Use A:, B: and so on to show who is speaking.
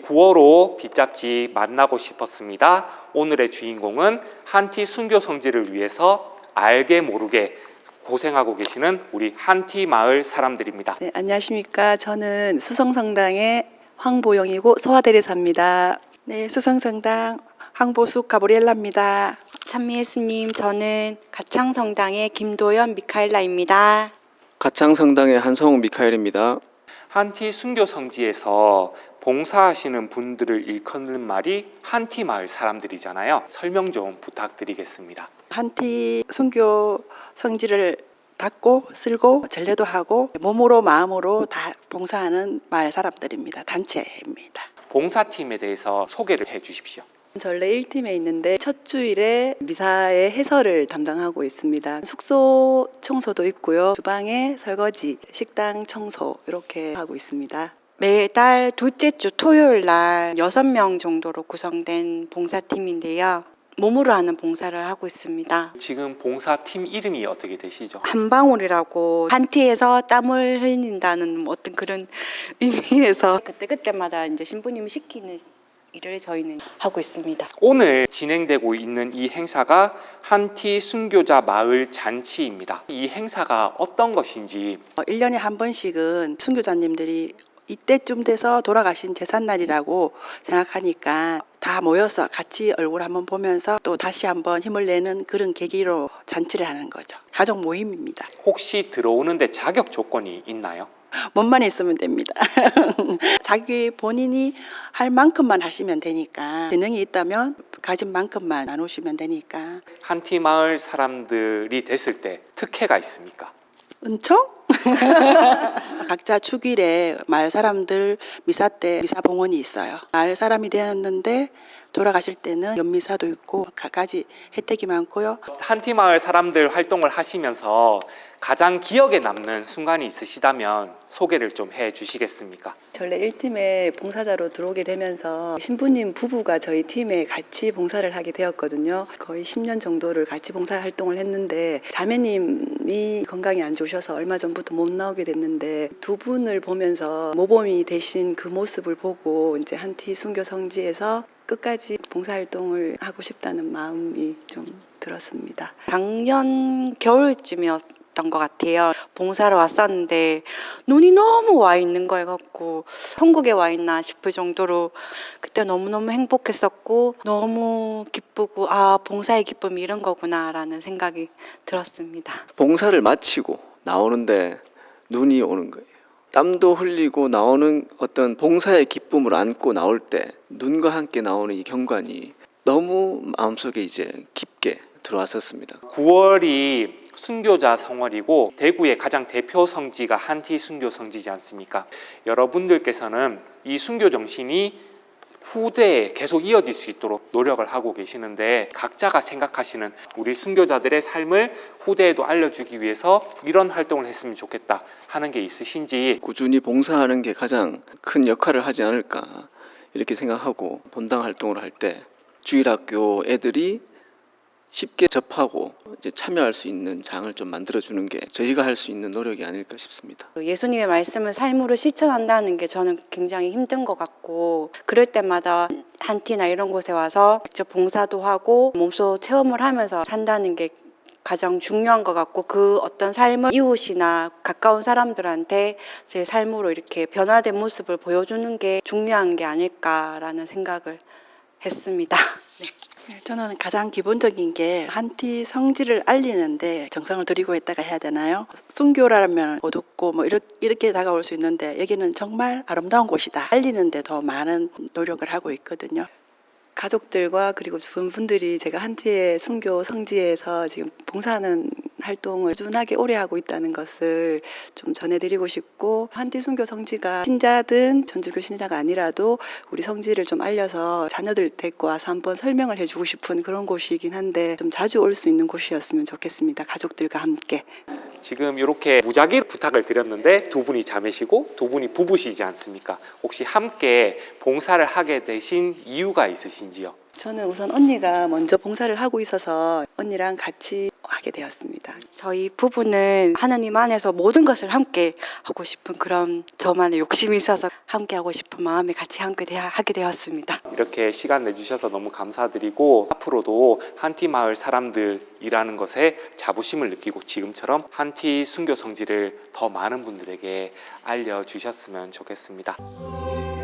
A: 구어로 빗잡지 만나고 싶었습니다. 오늘의 주인공은 한티 순교 성지를 위해서 알게 모르게 고생하고 계시는 우리 한티 마을 사람들입니다.
B: 네, 안녕하십니까. 저는 수성성당의 황보영이고 소아대리사입니다. 네, 수성성당 황보숙 가브리엘라입니다.
C: 찬미예수님, 저는 가창성당의 김도연 미카엘라입니다.
D: 가창성당의 한성우 미카엘입니다.
A: 한티 순교 성지에서 봉사하시는 분들을 일컫는 말이 한티 마을 사람들이잖아요. 설명 좀 부탁드리겠습니다.
B: 한티 순교 성지를 닦고 쓸고 전례도 하고 몸으로 마음으로 다 봉사하는 마을 사람들입니다. 단체입니다.
A: 봉사팀에 대해서 소개를 해 주십시오.
B: 전례 1팀에 있는데 첫 주일에 미사의 해설을 담당하고 있습니다. 숙소 청소도 있고요. 주방에 설거지, 식당 청소 이렇게 하고 있습니다.
C: 매달 둘째 주 토요일 날 6명 정도로 구성된 봉사팀인데요. 몸으로 하는 봉사를 하고 있습니다.
A: 지금 봉사팀 이름이 어떻게 되시죠?
C: 한방울이라고 한티에서 땀을 흘린다는 어떤 그런 의미에서 그때마다 이제 신부님이 시키는 일을 저희는 하고 있습니다.
A: 오늘 진행되고 있는 이 행사가 한티 순교자 마을 잔치입니다. 이 행사가 어떤 것인지
B: 1년에 한 번씩은 순교자님들이 이때쯤 돼서 돌아가신 제삿날이라고 생각하니까 다 모여서 같이 얼굴 한번 보면서 또 다시 한번 힘을 내는 그런 계기로 잔치를 하는 거죠. 가족 모임입니다.
A: 혹시 들어오는데 자격 조건이 있나요?
B: 몸만 있으면 됩니다. 자기 본인이 할 만큼만 하시면 되니까, 재능이 있다면 가진 만큼만 나누시면 되니까.
A: 한티 마을 사람들이 됐을 때 특혜가 있습니까?
B: 은총? 각자 축일에 마을 사람들 미사 때 미사 봉헌이 있어요. 마을 사람이 되었는데 돌아가실 때는 연미사도 있고 갖가지 혜택이 많고요.
A: 한티 마을 사람들 활동을 하시면서 가장 기억에 남는 순간이 있으시다면 소개를 좀 해 주시겠습니까?
B: 전례 1팀에 봉사자로 들어오게 되면서 신부님 부부가 저희 팀에 같이 봉사를 하게 되었거든요. 거의 10년 정도를 같이 봉사 활동을 했는데 자매님이 건강이 안 좋으셔서 얼마 전부터 못 나오게 됐는데 두 분을 보면서 모범이 되신 그 모습을 보고 이제 한티 순교 성지에서 끝까지 봉사활동을 하고 싶다는 마음이 좀 들었습니다.
C: 작년 겨울쯤이었던 것 같아요. 봉사를 왔었는데 눈이 너무 와 있는 거 같고 천국에 와 있나 싶을 정도로 그때 너무너무 행복했었고 너무 기쁘고 봉사의 기쁨이 이런 거구나라는 생각이 들었습니다.
D: 봉사를 마치고 나오는데 눈이 오는 거예요. 땀도 흘리고 나오는 어떤 봉사의 기쁨을 안고 나올 때 눈과 함께 나오는 이 경관이 너무 마음속에 이제 깊게 들어왔었습니다.
A: 9월이 순교자 성월이고 대구의 가장 대표 성지가 한티 순교 성지지 않습니까? 여러분들께서는 이 순교 정신이 후대에 계속 이어질 수 있도록 노력을 하고 계시는데 각자가 생각하시는 우리 순교자들의 삶을 후대에도 알려주기 위해서 이런 활동을 했으면 좋겠다 하는 게 있으신지.
D: 꾸준히 봉사하는 게 가장 큰 역할을 하지 않을까 이렇게 생각하고 본당 활동을 할 때 주일학교 애들이 쉽게 접하고 이제 참여할 수 있는 장을 좀 만들어주는 게 저희가 할 수 있는 노력이 아닐까 싶습니다.
C: 예수님의 말씀을 삶으로 실천한다는 게 저는 굉장히 힘든 것 같고 그럴 때마다 한티나 이런 곳에 와서 직접 봉사도 하고 몸소 체험을 하면서 산다는 게 가장 중요한 것 같고 그 어떤 삶을 이웃이나 가까운 사람들한테 제 삶으로 이렇게 변화된 모습을 보여주는 게 중요한 게 아닐까라는 생각을 했습니다. 네.
B: 저는 가장 기본적인 게 한티 성지를 알리는데 정성을 들이고 있다가 해야 되나요? 순교라면 어둡고 뭐 이렇게 다가올 수 있는데 여기는 정말 아름다운 곳이다. 알리는데 더 많은 노력을 하고 있거든요. 가족들과 그리고 주변 분들이 제가 한티의 순교 성지에서 지금 봉사하는 활동을 꾸준하게 오래 하고 있다는 것을 좀 전해드리고 싶고 한티 순교 성지가 신자든 전주교 신자가 아니라도 우리 성지를 좀 알려서 자녀들 데리고 와서 한번 설명을 해주고 싶은 그런 곳이긴 한데 좀 자주 올 수 있는 곳이었으면 좋겠습니다. 가족들과 함께.
A: 지금 이렇게 무작위 부탁을 드렸는데 두 분이 자매시고 두 분이 부부시지 않습니까? 혹시 함께 봉사를 하게 되신 이유가 있으신지요?
B: 저는 우선 언니가 먼저 봉사를 하고 있어서 언니랑 같이 하게 하게 되었습니다.
C: 저희 부부는 하느님 안에서 모든 것을 함께 하고 싶은 그런 저만의 욕심이 있어서 함께 하고 싶은 마음에 같이 함께 하게 되었습니다.
A: 이렇게 시간 내주셔서 너무 감사드리고 앞으로도 한티 마을 사람들이라는 것에 자부심을 느끼고 지금처럼 한티 순교 성지를 더 많은 분들에게 알려주셨으면 좋겠습니다.